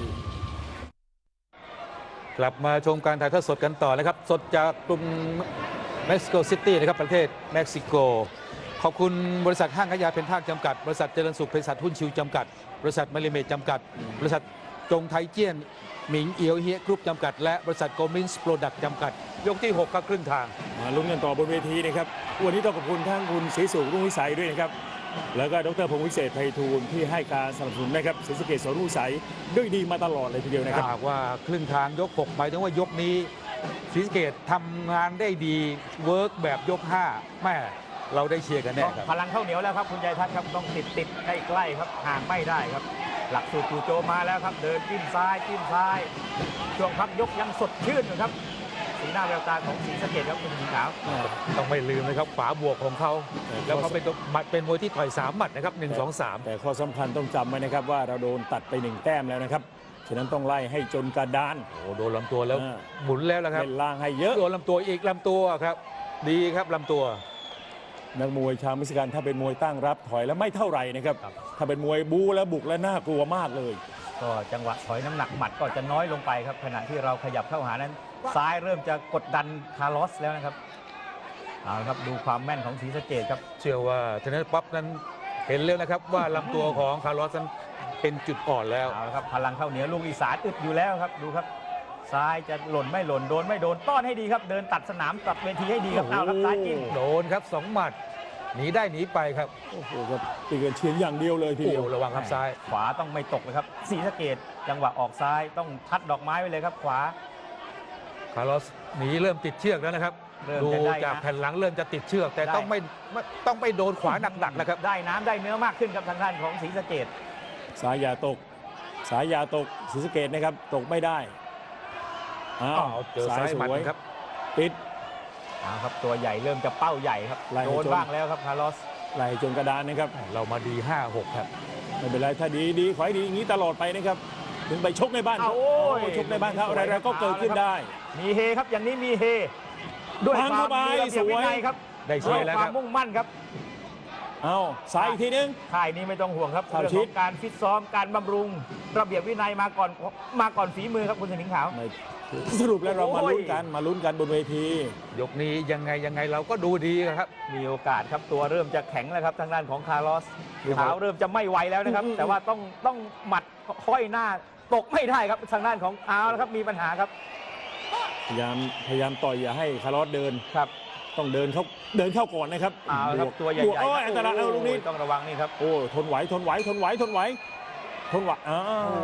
[SPEAKER 1] กลับมาชมการถ่ายทอดสดกันต่อนะครับ สดจากกรุงเม็กซิโกซิตี้นะครับประเทศเม็กซิโก ขอบคุณบริษัทห้างขายยาเพนทากจำกัด บริษัทเจริญสุขเภสัชหุ้นชิวจำกัด บริษัทมาริเมดจำกัด บริษัทจงไทเจี้ยนหมิงเอียวเฮียกรุ๊ปจำกัด และบริษัทโกมินส์โปรดักต์จำกัด ยกที่หกครับครึ่งทาง
[SPEAKER 2] มาลุ้นกันต่อบนเวทีนะครับวันนี้ต้องขอบคุณทั้งคุณศรีสุขรุ่งวิสัยด้วยนะครับแล้วก็ดรพงศ์วิเศษไพฑูรย์ที่ให้การสนับสนุนนะครับศรีสะเกษสรุ่งวิสัยด้วยดีมาตลอดเลยทีเดียวนะครับ
[SPEAKER 1] ถ้าหากว่าครึ่งทางยกหกหมายถึงว่ายกนี้ศรีสะเกษทำงานได้ดีเวิร์กแบบยกห้าแม่เราได้เชียร์กันแน่ครับ
[SPEAKER 3] พลังเข้าเหนียวแล้วครับคุณชัยทัศน์ครับต้องติดติดใกล้ใกล้ๆครับห่างไม่ได้ครับ หลักสูตรจู่โจมมาแล้วครับ เดินจิ้มซ้ายจิ้มซ้าย ช่วงพักยกยังสดชื่นอยู่ครับสีหน้าแววตาของศรีสะเกษครับคุณสมิงขาว
[SPEAKER 1] ต้องไม่ลืมนะครับฝาบวกของเขา แล้วเขาเป็นหมัดเป็นมวยที่ต่อยสามหมัดนะครับหนึ่งสองสาม
[SPEAKER 2] แต่ข้อสำคัญต้องจำไว้นะครับว่าเราโดนตัดไปหนึ่งแต้มแล้วนะครับฉะนั้นต้องไล่ให้จนกระดาน
[SPEAKER 1] โอ้โดนลำตัวแล้ว
[SPEAKER 2] อ่า
[SPEAKER 1] หมุนแล้วนะครับ
[SPEAKER 2] เล่นล่างให้เยอะ
[SPEAKER 1] โดนลำตัวอีกลำตัวครับ ดีครับลำตัว
[SPEAKER 2] นักมวยชาวเม็กซิกันถ้าเป็นมวยตั้งรับถอยแล้วไม่เท่าไหร่นะครับ
[SPEAKER 3] ครับ
[SPEAKER 2] ถ้าเป็นมวยบู๊แล้วบุกแล้วน่ากลัวมากเลย
[SPEAKER 3] ก็จังหวะถอยน้ำหนักหมัดก็จะน้อยลงไปครับขณะที่เราขยับเข้าหานั้น ซ้ายเริ่มจะกดดันคาร์ลอสแล้วนะครับเอาละครับดูความแม่นของศรีสะเกษครับ
[SPEAKER 1] เชื่อว่าเทนนิสป๊อปนั้นเห็นแล้วนะครับว่าลำตัวของคาร์ลอสนั้นเป็นจุดอ่อนแล้ว
[SPEAKER 3] เอาละครับพลังเข้าเหนียวลูกอีสานอึดอยู่แล้วครับดูครับ ซ้ายจะหล่นไม่หล่นโดนไม่โดนต้อนให้ดีครับ เดินตัดสนามตัดเวทีให้ดีครับเอาครับซ้ายจิ้ม
[SPEAKER 1] โดนครับสองหมัดหนีได้หนีไปครับ
[SPEAKER 2] โอ้โหครับตีกันเชียงอย่างเดียวเลยที
[SPEAKER 1] โอ้
[SPEAKER 2] เดียว
[SPEAKER 1] ระวังครับซ้าย
[SPEAKER 3] ขวาต้องไม่ตกเลยครับศรีสะเกษจังหวะออกซ้ายต้องทัดดอกไม้ไว้เลยครับ ขวา
[SPEAKER 1] คาร์ลอสหนีเริ่มติดเชือกแล้วนะครับ
[SPEAKER 3] เริ่ม
[SPEAKER 1] ดู
[SPEAKER 3] จะได้
[SPEAKER 1] จาก
[SPEAKER 3] นะ
[SPEAKER 1] แผ่นหลังเริ่มจะติดเชือก แต่
[SPEAKER 3] ได้
[SPEAKER 1] ต้องไม่ไม่ต้องไม่โดนขวาหนักๆนะครับ
[SPEAKER 3] ได้น้ำได้เนื้อมากขึ้นครับทางด้านของศรีสะเกษ
[SPEAKER 2] สายยาตก สายยาตกศรีสะเกษนะครับตกไม่ได้อ้าว
[SPEAKER 1] อ้าวเจอซ้ายหมัด
[SPEAKER 2] สวย
[SPEAKER 1] ครับ
[SPEAKER 2] ปิด
[SPEAKER 3] เอาครับตัวใหญ่เริ่มจะเป้าใหญ่ครับ
[SPEAKER 2] ไล่ให้
[SPEAKER 3] โดน
[SPEAKER 2] จน
[SPEAKER 3] บ้างแล้วครับคาร์ลอส
[SPEAKER 2] ไหลจนกระดานนะครับ
[SPEAKER 1] เรามาดี ห้าหก ครับ
[SPEAKER 2] ไม่เป็นไรถ้าดีดีขอให้ดีอย่างนี้ตลอดไปนะครับ ถึงไปชกในบ้าน
[SPEAKER 3] เอา
[SPEAKER 2] เขา
[SPEAKER 3] โอ้ย
[SPEAKER 2] ชกในบ้านเขา
[SPEAKER 3] สวย
[SPEAKER 2] อะไรๆก็เกิดขึ้นได้
[SPEAKER 3] มีเฮครับอย่างนี้มีเฮด้วย
[SPEAKER 2] วาง
[SPEAKER 3] ควา
[SPEAKER 2] เข้าม ไป
[SPEAKER 3] มีระเบียบ
[SPEAKER 2] สวย
[SPEAKER 3] วินัยครับ
[SPEAKER 1] ได้เชียร์แล้ว
[SPEAKER 3] ค
[SPEAKER 1] ครับ
[SPEAKER 3] วามมุ่งมั่นครับ
[SPEAKER 2] เอาซ้ายอีกทีนึง
[SPEAKER 3] ค่ายนี้ไม่ต้องห่วงครับ
[SPEAKER 2] เข้า
[SPEAKER 3] เรื่อง
[SPEAKER 2] ชิ
[SPEAKER 3] ข
[SPEAKER 2] ด
[SPEAKER 3] องการฟิตซ้อมการบำรุง ระเบียบวินัยมาก่อนมาก่อนฝีมือครับคุณสมิงขาว
[SPEAKER 2] ไม่สรุปแล้วเรามา
[SPEAKER 3] โอ้ย
[SPEAKER 2] ลุ้นกันมาลุ้นกันบนเวที
[SPEAKER 1] ยกนี้ยังไงยังไงเราก็ดูดีครับ
[SPEAKER 3] มีโอกาสครับตัวเริ่มจะแข็งแล้วครับทางด้านของคาร์ลอส
[SPEAKER 1] ดูครับ
[SPEAKER 3] เท้าเริ่มจะไม่ไหวแล้วนะครับ
[SPEAKER 2] อืม
[SPEAKER 3] แต่ว่าต้องต้องหมัดค่อยหน้าตกไม่ได้ครับทางด้านของเอาแล้วครับมีปัญหาครับ
[SPEAKER 2] พยายามพยายามต่อยอย่าให้คาร์ลอสเดิน
[SPEAKER 3] ครับ
[SPEAKER 2] ต้องเดินเข้าเดินเข้าก่อนนะครับ
[SPEAKER 3] เอาละครับ
[SPEAKER 2] บก
[SPEAKER 3] ตัวใหญ่
[SPEAKER 2] บวก
[SPEAKER 3] ๆ
[SPEAKER 2] โอ้ยอันตรายเอาลูกนี้
[SPEAKER 3] โอ้ยต้องระวังนี่ครับ
[SPEAKER 2] โอ้ทนไหวทนไหวทนไหวทนไหวทนไหวอ้าว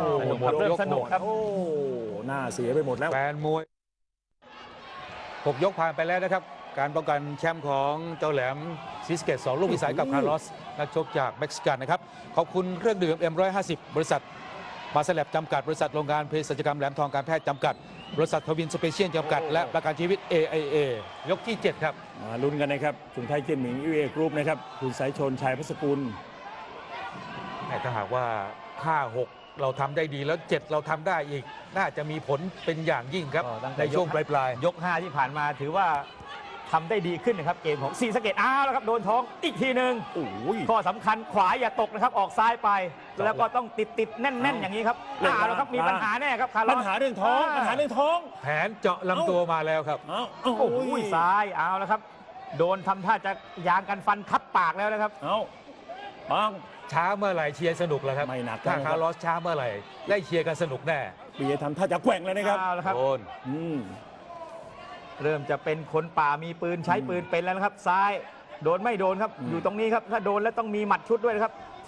[SPEAKER 3] สนุกครับเริ่มสนุกครับ
[SPEAKER 2] โอ้หน้าเสียไปหมดแล้ว
[SPEAKER 1] แฟนมวยหกยกผ่านไปแล้วนะครับ การป้องกันแชมป์ของเจ้าแหลมซิสเกตสองลูกวิสัยกับคาร์ลอส นักชกจากเม็กซิกันนะครับ ขอบคุณเครื่องดื่ม เอ็ม หนึ่งร้อยห้าสิบ บริษัทมาสแลบจำกัด บริษัทโรงงานเภสัชกรรมแหลมทองการแพทย์จำกัด บริษัททวินสเปเชียลจำกัด และประกันชีวิต เอ ไอ เอ ยกที่ เจ็ด ครับ
[SPEAKER 2] มาลุ้นกันนะครับสุนไทยเจียนหมิงยูเอกรุ๊ปนะครับคุณสายชนชัยพัสกุล
[SPEAKER 1] แต่ถ้าหากว่าห้าหกเราทำได้ดีแล้วเจ็ดเราทำได้อีก น่าจะมีผลเป็นอย่างยิ่งครับ
[SPEAKER 3] ก็ตั้งแต่
[SPEAKER 1] ในช่วง
[SPEAKER 3] ยก
[SPEAKER 1] ปลาย
[SPEAKER 3] ยกห้าที่ผ่านมาถือว่าทำได้ดีขึ้นนะครับเกมของศรีสะเกษอ้าวแล้วครับโดนท้องอีกทีหนึ่ง
[SPEAKER 2] โอ้ย
[SPEAKER 3] ข้อสำคัญขวาอย่าตกนะครับออกซ้ายไป แล้วก็ต้องติดติดๆแน่น
[SPEAKER 2] เอา
[SPEAKER 3] ๆ อย่างนี้ครับ
[SPEAKER 2] เล่น
[SPEAKER 3] อ้าวแล้วครับมี
[SPEAKER 2] ล่าง
[SPEAKER 3] ปัญหาแน่ครับคาร์ลอ
[SPEAKER 2] ปัญ
[SPEAKER 3] ส
[SPEAKER 2] หาเรื่องท้องปัญหาเรื่องท้อง
[SPEAKER 1] ๆ แผนเจาะลำตัวมาแล้วครับ
[SPEAKER 2] เอ้าเอ้า
[SPEAKER 3] โอ้โหซ้ายเอาแล้วครับ โดนทำท่าจะยางกันฟันทับปากแล้วนะครับ
[SPEAKER 2] เอ้าปัง
[SPEAKER 1] ช้าเมื่อไหร่เชียร์สนุกแล้วครับ
[SPEAKER 2] ไม่หนัก
[SPEAKER 1] ถ้า
[SPEAKER 2] นะครับ
[SPEAKER 1] คาร์ลอสช้าเมื่อไหร่ได้เชียร์กันสนุกแน่
[SPEAKER 2] ปีทำท่าจะแกว่งเลยนะครับ
[SPEAKER 3] เอาแล้วครับ
[SPEAKER 1] โดน
[SPEAKER 2] อืม
[SPEAKER 3] เริ่มจะเป็นคนป่ามีปืนใช้ปืนเป็นแล้วนะครับ ซ้ายโดนไม่โดนครับ
[SPEAKER 2] อืม
[SPEAKER 3] อยู่ตรงนี้ครับถ้าโดนแล้วต้องมีหมัดชุดด้วยนะครับ แท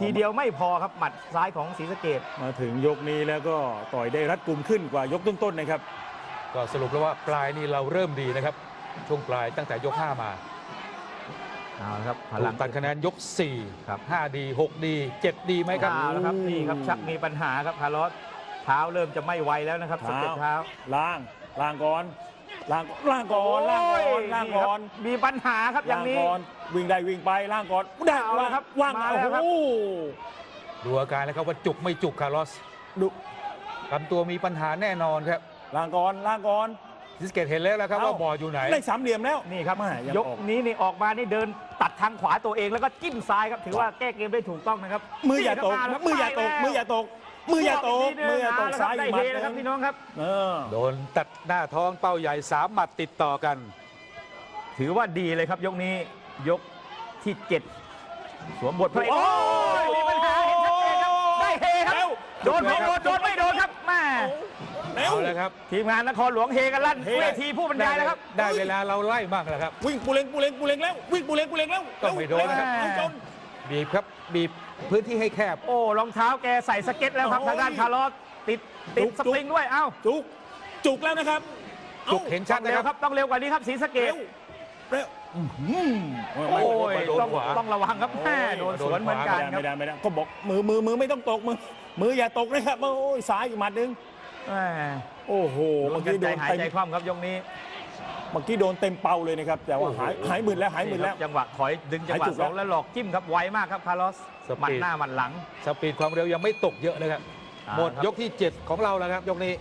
[SPEAKER 3] ทีเดียวไม่พอครับหมัดซ้ายของศรีสะเกษ
[SPEAKER 2] มาถึงยกนี้แล้วก็ต่อยได้รัดกุมขึ้นกว่ายกต้นๆนะครับ
[SPEAKER 1] ก็สรุปแล้วว่าปลายนี่เราเริ่มดีนะครับ ช่วงปลายตั้งแต่ยกห้ามา
[SPEAKER 3] เอาละครับพ
[SPEAKER 1] ถู
[SPEAKER 3] ลั
[SPEAKER 1] ก
[SPEAKER 3] ง
[SPEAKER 1] ตัดคะแนนยกสี่
[SPEAKER 3] ครับ
[SPEAKER 1] ห้าดีหกดีเจ็ดดีไหมครับ
[SPEAKER 3] เอาละครับนี่ครับชักมีปัญหาครับคาร์ลอสเท้าเริ่มจะไม่ไหวแล้วนะครับสเต็ปเท้า
[SPEAKER 2] ล่างล่างก่อนล่างล่างก่อนล่างก่อนล่างก่อน
[SPEAKER 3] โยมีปัญหาครับอย่างนี้
[SPEAKER 2] ล่ก่อนวิ่งได้วิ่งไปล่างก่อนได้
[SPEAKER 3] เอาละครับ
[SPEAKER 2] ว่าง
[SPEAKER 3] มา
[SPEAKER 2] โอ้
[SPEAKER 3] แล้วครับ
[SPEAKER 2] โห
[SPEAKER 1] ดูอาการแล้วครับว่าจุกไม่จุกคาร์ลอส
[SPEAKER 2] ดู
[SPEAKER 1] ลำตัวมีปัญหาแน่นอนครับ
[SPEAKER 2] ล่างก่อนล่างก่อน
[SPEAKER 1] ซิสเกตเห็นแล้วนะครับ
[SPEAKER 2] เอ้า
[SPEAKER 1] ว่าบอร์ดอยู่ไหน
[SPEAKER 2] ได้สามเหลี่ยมแล้ว
[SPEAKER 3] นี่ครับ
[SPEAKER 2] แม่ยัง
[SPEAKER 3] ยก
[SPEAKER 2] ออก
[SPEAKER 3] นี้นี่ออกมานี่เดินตัดทางขวาตัวเองแล้วก็จิ้มซ้ายครับถือว่าแก้เกมได้ถูกต้องนะครับ
[SPEAKER 2] มืออย่าตก
[SPEAKER 3] นี่ครับ
[SPEAKER 2] มืออย่าตกมืออย่าตกมืออย่าตกมืออย่าตกซ้าย
[SPEAKER 3] ได้
[SPEAKER 2] อีกห
[SPEAKER 3] เฮ
[SPEAKER 2] มัด
[SPEAKER 3] นะครับพี่น้องครับ
[SPEAKER 2] เออ
[SPEAKER 1] โดนตัดหน้าท้องเป้าใหญ่สามหมัดติดต่อกัน
[SPEAKER 3] ถือว่าดีเลยครับยกนี้ยกที่เจ็ดสวมบทพระเอก
[SPEAKER 2] โอ้
[SPEAKER 3] โอ้ยมีปัญหาเห็นชัดเจนครับได้เฮครับ
[SPEAKER 2] เร็ว
[SPEAKER 3] โดนไม่โดนโดนไม่โดนครับแม่
[SPEAKER 2] เร็ว
[SPEAKER 1] เอาแล้วครับ
[SPEAKER 3] ทีมงานนครหลวงเฮกันลั่น
[SPEAKER 2] เฮ
[SPEAKER 3] เวทีผู้บรรยายแล้วครับ
[SPEAKER 1] ได้เวลาเราไล่มากแล้วครับ
[SPEAKER 2] วิ่งปูเล็งปูเล็งปูเล็งแล้ววิ่งปูเล็งปูเล็งแล้ว
[SPEAKER 1] ต้องไม่โดนนะครับ
[SPEAKER 2] เร็วจน
[SPEAKER 1] บีบครับบีบพื้นที่ให้แคบ
[SPEAKER 3] โอ้รองเท้าแกใส่สเก็ตแล้วครับ
[SPEAKER 2] โอ้ย
[SPEAKER 3] ทางด้านคาร์ลอสติดติด
[SPEAKER 2] จุก
[SPEAKER 3] สปริงด้วยเอ้า
[SPEAKER 2] จุกจุกแล้วนะครับ
[SPEAKER 1] จุกเห็นชั
[SPEAKER 3] ต้
[SPEAKER 1] ด
[SPEAKER 3] อง
[SPEAKER 1] นะ
[SPEAKER 3] เร็
[SPEAKER 1] คว รับ
[SPEAKER 3] ครับต้องเร็วกว่านี้ครับศรีสะเก
[SPEAKER 2] เร็
[SPEAKER 3] ษ
[SPEAKER 2] วเร็วอื้อหือ
[SPEAKER 3] โอ้
[SPEAKER 2] ไม่
[SPEAKER 3] ย
[SPEAKER 1] โดน
[SPEAKER 3] ต้อง
[SPEAKER 1] ขวา
[SPEAKER 3] ต้องระวังครับแม่โดนสวนเหมือนกันครั
[SPEAKER 2] ไม่
[SPEAKER 3] บ
[SPEAKER 2] ได้ไม่ได้ก็บอกมือมือมือไม่ต้องตกมือมืออย่าตกนะครับโอ้ยซ้ายอีกหมัดหนึง
[SPEAKER 3] แม่
[SPEAKER 2] โอ้โห
[SPEAKER 3] ลุ้
[SPEAKER 2] เมื่
[SPEAKER 3] น
[SPEAKER 2] อ
[SPEAKER 3] กัน
[SPEAKER 2] กี้
[SPEAKER 3] ใจ
[SPEAKER 2] โดน
[SPEAKER 3] หาย
[SPEAKER 2] เต็ม
[SPEAKER 3] ใจคว่ำครับยกนี้
[SPEAKER 2] เมื่อกี้โดนเต็มเป้าเลยนะครับแต่ว่าหายหายหมื่นแล้วหายหมื่นแล้ว
[SPEAKER 3] จังหวะถอยดึงจังหวะ
[SPEAKER 2] หายจุก
[SPEAKER 3] ส
[SPEAKER 2] แล้
[SPEAKER 3] อ
[SPEAKER 2] ว
[SPEAKER 3] งแล้วหลอกจิ้มครับไวมากครับคาร์ลอส
[SPEAKER 1] ส
[SPEAKER 3] หมัด
[SPEAKER 1] ปีด
[SPEAKER 3] หน้าหมัดหลัง
[SPEAKER 1] สปีดความเร็วยังไม่ตกเยอะเลยครับ
[SPEAKER 3] อ่า
[SPEAKER 1] หมด
[SPEAKER 3] ครับ
[SPEAKER 1] ยกที่ เจ็ด ของเราแล้วครับ ยกนี้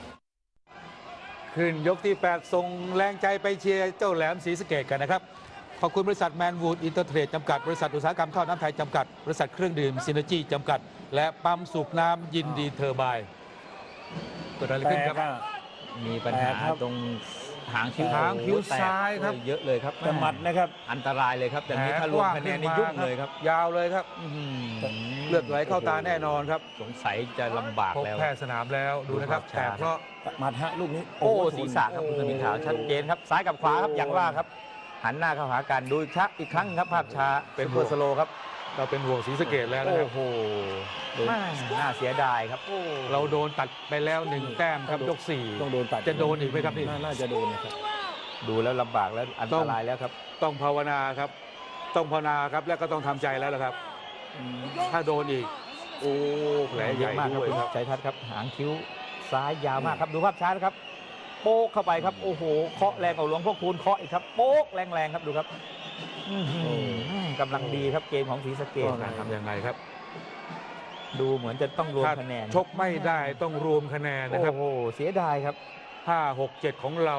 [SPEAKER 1] ขึ้นยกที่ แปด ส่งแรงใจไปเชียร์เจ้าแหลมศรีสะเกษกันนะครับ ขอบคุณบริษัทแมนวูดอินเตอร์เทรดจำกัด บริษัทอุตสาหกรรมท่อน้ำไทยจำกัด บริษัทเครื่องดื่มซินเนจีจำกัด และปั๊มสูบน้ำยินดีเทอร์ไบน์เกิดอะไร
[SPEAKER 2] แต่
[SPEAKER 1] ขึ้นครับ
[SPEAKER 2] ก็
[SPEAKER 3] มีปัญหา
[SPEAKER 2] แปลกครับ
[SPEAKER 3] ตรงหางคิ้ว
[SPEAKER 1] หางคิ้ว
[SPEAKER 3] แตก
[SPEAKER 1] ซ้ายครับ
[SPEAKER 3] เยอะเลยครับ
[SPEAKER 2] แต่หมัดนะครับ
[SPEAKER 3] อันตรายเลยครับแต่นี้ถ้ารวมคะแนนนี่ยุ่งเลยครับ
[SPEAKER 1] ยาวเลยครับ
[SPEAKER 3] อื้อหือ
[SPEAKER 1] เลือดไหลเข้าตาแน่นอนครับ
[SPEAKER 3] สงสัยจะลำบาก
[SPEAKER 1] พบ
[SPEAKER 3] แล้ว
[SPEAKER 1] แพทย์สนามแล้วดูนะครับ
[SPEAKER 3] ดูภาพ
[SPEAKER 1] แต่
[SPEAKER 3] ช้า
[SPEAKER 1] เพราะ
[SPEAKER 2] หมัดฮะลูกนี้
[SPEAKER 3] โอ้
[SPEAKER 2] โอ้โห
[SPEAKER 3] ศีรษะครับคุณสมิงขาวชัดเจนครับซ้ายกับขวาครับอย่างว่าครับ หันหน้าเข้าหากันดูชักอีกครั้งครับภาพช้า
[SPEAKER 1] เป็
[SPEAKER 3] เป็น
[SPEAKER 1] น
[SPEAKER 3] เปอร์สโลครับ
[SPEAKER 1] เราเป็นห่วงศรีสะเกษแล้วนะครับ
[SPEAKER 3] โอ้โหแม่น่าเสียดายครับโอ้
[SPEAKER 1] เราโดนตัดไปแล้วหนึ่งแต้มครับยกสี่
[SPEAKER 2] ต้องโดนตัด
[SPEAKER 1] จะโดนอีกไหมครับนี่
[SPEAKER 2] าน่าจะโดนนะครับ
[SPEAKER 3] ดูแล้วลำบากแล้วอัน
[SPEAKER 1] ต้
[SPEAKER 3] ต
[SPEAKER 1] อง
[SPEAKER 3] รายแล้วครับ
[SPEAKER 1] ต้องภาวนาครับ ต้องภาวนาครับและก็ต้องทำใจแล้วละครับ ถ้าโดนอีก โอ้แผลให
[SPEAKER 3] เย
[SPEAKER 1] ญ่
[SPEAKER 3] อะมากครับ
[SPEAKER 1] ด้วย
[SPEAKER 3] คุณ
[SPEAKER 1] ครับ
[SPEAKER 3] ชัยทัศน์ครับหางคิ้วซ้ายยาวมากครับดูภาพช้านะครับ โป๊กเข้าไปครับโอ้โหเคาะแรงเอาหลวงพ่อคูณเคาะอีกครับโป๊กแรงๆครับดูครับอื้อหือกำลังดีครับเกมของศรีสะเกษ
[SPEAKER 1] ก็ทำยังไงครับ
[SPEAKER 3] ดูเหมือนจะต้องรวม
[SPEAKER 1] ถ้า
[SPEAKER 3] คะแนน
[SPEAKER 1] ชกไม่ได้ต้องรวมคะแนนนะครับ
[SPEAKER 3] โอ้โหเสียดายครับ
[SPEAKER 1] ห้า หก เจ็ด ของเรา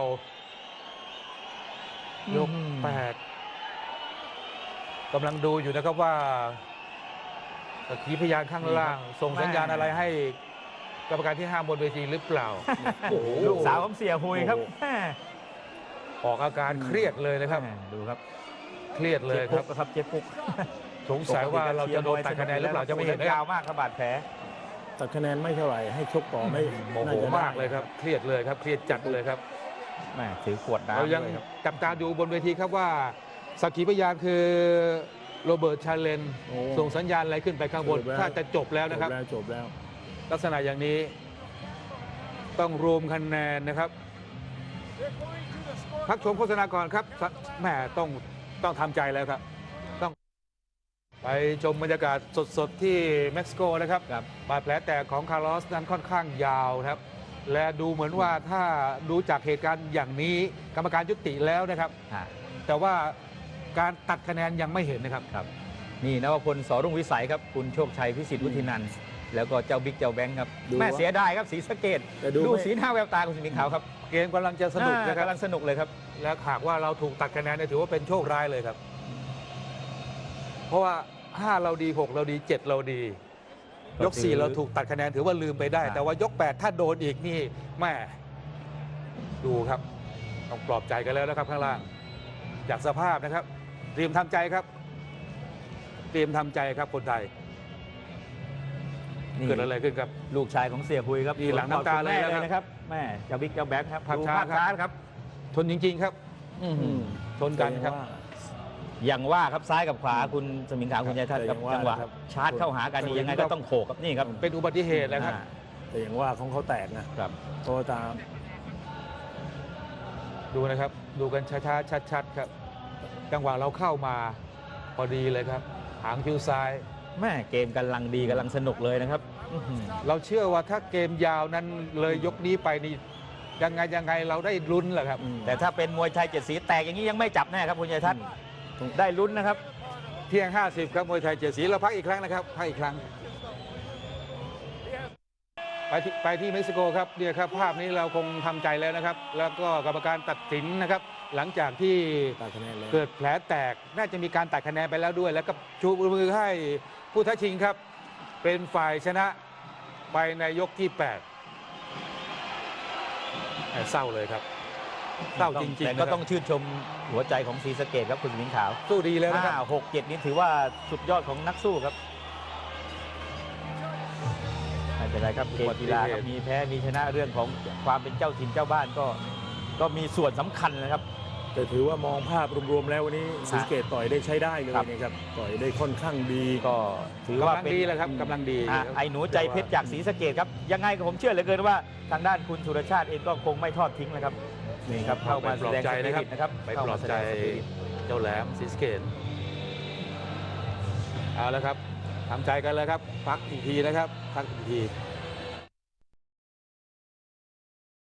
[SPEAKER 1] ยก
[SPEAKER 3] อืม
[SPEAKER 1] แปดกำลังดูอยู่นะครับว่าสักขีพยานข้างล่าง ส่งสัญญาณอะไรให้กรรมการที่ห้ามบนเวทีหรือเปล่า โอ้โห
[SPEAKER 3] ลูกสาวของเสียหุยครับ
[SPEAKER 1] โอ้โห
[SPEAKER 3] แม่
[SPEAKER 1] ออกอาการเครียดเลยนะครับ
[SPEAKER 3] แม่ดูครับ
[SPEAKER 1] เครียดเลยครับ
[SPEAKER 3] จ็บปุ๊กครับเจ็บปุ๊ก
[SPEAKER 1] สงสัยว่าเราจะโดนตัดคะแนนหรือเปล่าจะไม่เห็นนะค
[SPEAKER 3] ยา
[SPEAKER 1] รั
[SPEAKER 3] ว
[SPEAKER 1] บ
[SPEAKER 3] มากครับบาดแผล
[SPEAKER 2] ตัดคะแนนไม่เท่าไหร่ให้ชกต่อไม่
[SPEAKER 1] โมโห
[SPEAKER 2] น่จะได้
[SPEAKER 1] มากเลยครับ เครียดเลยครับ เครียดจัดเลยครับ
[SPEAKER 3] แม่ถือขวดน้ำ
[SPEAKER 1] เรายัง
[SPEAKER 3] ด้วยครับ
[SPEAKER 1] จับตาดูบนเวทีครับว่าสักขีพยานคือโรเบิร์ตชาเลน
[SPEAKER 2] โอ้
[SPEAKER 1] ส่งสัญญาณอะไรขึ้นไปข้างบน
[SPEAKER 2] จบแล้ว
[SPEAKER 1] ถ้าจะจบแล้ว
[SPEAKER 2] จ
[SPEAKER 1] นะครับ
[SPEAKER 2] บแล้วจบแล้ว
[SPEAKER 1] ลักษณะอย่างนี้ต้องรวมคะแนนนะครับ พักชมโฆษณาก่อนครับแหมต้องต้องทำใจแล้วครับ ต้องไปชมบรรยากาศสดๆที่เม็กซิโกนะครับ
[SPEAKER 3] ครับ
[SPEAKER 1] บาดแผลแตกของคาร์ลอสนั้นค่อนข้างยาวนะครับ และดูเหมือนว่าถ้าดูจากเหตุการณ์อย่างนี้กรรมการยุติแล้วนะครับ
[SPEAKER 3] อ่า
[SPEAKER 1] แต่ว่าการตัดคะแนนยังไม่เห็นนะครับ
[SPEAKER 3] ครับนี่นวพลสอรุ่งวิสัยครับคุณโชคชัยพิสิทธิ์วุฒินันท์แล้วก็เจ้าบิ๊กเจ้าแบงค์ครับ
[SPEAKER 2] ดู
[SPEAKER 3] แม่
[SPEAKER 2] ว่า
[SPEAKER 3] เสียดายครับศรีสะเกษ
[SPEAKER 2] แต่ดู
[SPEAKER 3] ดู
[SPEAKER 2] ไม่
[SPEAKER 3] สีหน้าแววตาคุณสมิงขาวครับ
[SPEAKER 1] เกมกำลังจะสนุกนะค
[SPEAKER 3] อ่า
[SPEAKER 1] รับ
[SPEAKER 3] กำลังสนุกเลยครับ
[SPEAKER 1] และหากว่าเราถูกตัดคะแนนเนี่ยถือว่าเป็นโชคร้ายเลยครับ เพราะว่าห้าเราดีหกเราดีเจ็ดเราดี ยกสี่เราถูกตัดคะแนนถือว่าลืมไปได้
[SPEAKER 3] ครับ
[SPEAKER 1] แต่ว่ายกแปดถ้าโดนอีกนี่แม่ดูครับต้องปลอบใจกันแล้วนะครับข้างล่างจากสภาพนะครับเตรียมทำใจครับ เตรียมทำใจครับคนไทย
[SPEAKER 3] นี่
[SPEAKER 1] เกิดอะไรขึ้นครับ
[SPEAKER 3] ลูกชายของเสียหุยครับ
[SPEAKER 1] นี่หลังน้ำตาเลย
[SPEAKER 3] คุณแม่
[SPEAKER 1] นะครับ
[SPEAKER 3] แม่เจ้าบิ๊กเจ้าแบงค์ครับ
[SPEAKER 1] ภาพ
[SPEAKER 3] ดู
[SPEAKER 1] ช้า
[SPEAKER 3] ภาพ
[SPEAKER 1] ครับ
[SPEAKER 3] ช้าครับ
[SPEAKER 1] ทนจริง ๆ ครับ
[SPEAKER 3] อื้อหือ
[SPEAKER 1] ชนกันครับ
[SPEAKER 2] ว่า
[SPEAKER 3] อย่างว่าครับซ้ายกับขวาคุณสมิงขาวคุณชัยทัศน์ครับ
[SPEAKER 2] แต่
[SPEAKER 3] จังหวะ
[SPEAKER 2] ครับ
[SPEAKER 3] ชาร์จเข้าหากันนี่ยังไงก็ต้องโขกครับนี่ครับ
[SPEAKER 1] เป็นอุบัติเหตุนะครับ
[SPEAKER 3] อ่า
[SPEAKER 2] แต่อย่างว่าของเขาแตกนะครับ เพราะว่าตาม
[SPEAKER 1] ดูนะครับ ดูกันช้าๆชัดๆครับ จังหวะเราเข้ามาพอดีเลยครับ หางคิ้วซ้าย
[SPEAKER 3] แม่เกมกำลังดีกำลังสนุกเลยนะครับอื้อหือ
[SPEAKER 1] เราเชื่อว่าถ้าเกมยาวนั้นเลยยกนี้ไปนี่ยังไงยังไงเราได้ลุ้นแหละครับ
[SPEAKER 2] อืม
[SPEAKER 3] แต่ถ้าเป็นมวยไทยเจ็ดสีแตกอย่างนี้ยังไม่จับแน่ครับคุณชัยทัศน์ได้ลุ้นนะครับ
[SPEAKER 1] เที่ยง ห้าสิบ ครับมวยไทยเจ็ดสีเราพักอีกครั้งนะครับพักอีกครั้ง ไปที่ไปที่เม็กซิโกครับเนี่ยครับภาพนี้เราคงทำใจแล้วนะครับ แล้วก็กรรมการตัดสินนะครับ หลังจากที่
[SPEAKER 2] ตัดคะแนนเลย
[SPEAKER 1] เกิดแผลแตกน่าจะมีการตัดคะแนนไปแล้วด้วย แล้วก็ชูมือให้ผู้ท้าชิงครับ เป็นฝ่ายชนะไปในยกที่แปดแหม่เศร้าเลยครับเศร้าจริงๆ
[SPEAKER 3] แต่
[SPEAKER 1] นะค
[SPEAKER 3] ก็
[SPEAKER 1] รับ
[SPEAKER 3] ต้องชื่นชมหัวใจของศรีสะเกษครับคุณสมิงขาว
[SPEAKER 1] สู้ดีแล้วนะครับ
[SPEAKER 3] ห้าหกเจ็ดนี้ถือว่าสุดยอดของนักสู้ครับไม่เป็นไรครับเกมกีฬาครับมีแพ้มีชนะเรื่องของความเป็นเจ้าถิ่นเจ้าบ้านก็ก็มีส่วนสำคัญนะครับ
[SPEAKER 2] แต่ถือว่ามองภาพรวมๆแล้ววันนี้ศรีสะเกษต่อยได้ใช้ได้เลย
[SPEAKER 3] ครับ
[SPEAKER 2] นะครับต่อยได้ค่อนข้างดี
[SPEAKER 3] ก็ถือว่าก
[SPEAKER 1] ำลัง
[SPEAKER 3] เป็น
[SPEAKER 1] ดีแล้วครับกำลังดี
[SPEAKER 3] อ่ะไอ้หนูใจเพชรจากศรีสะเกษครับยังไงก็ผมเชื่อเหลือเกินว่าทางด้านคุณสุรชาติเองก็คงไม่ทอดทิ้งนะครับนี่ครับเข้ามาแสดงสปิริตนะครับ
[SPEAKER 1] ไปปลอบใจ
[SPEAKER 3] เข้ามาแสดงสปิริต
[SPEAKER 1] เจ้าแหลมศรีสะเกษเอาแล้วครับทำใจกันเลยครับ พักอีกทีนะครับ พักอีกที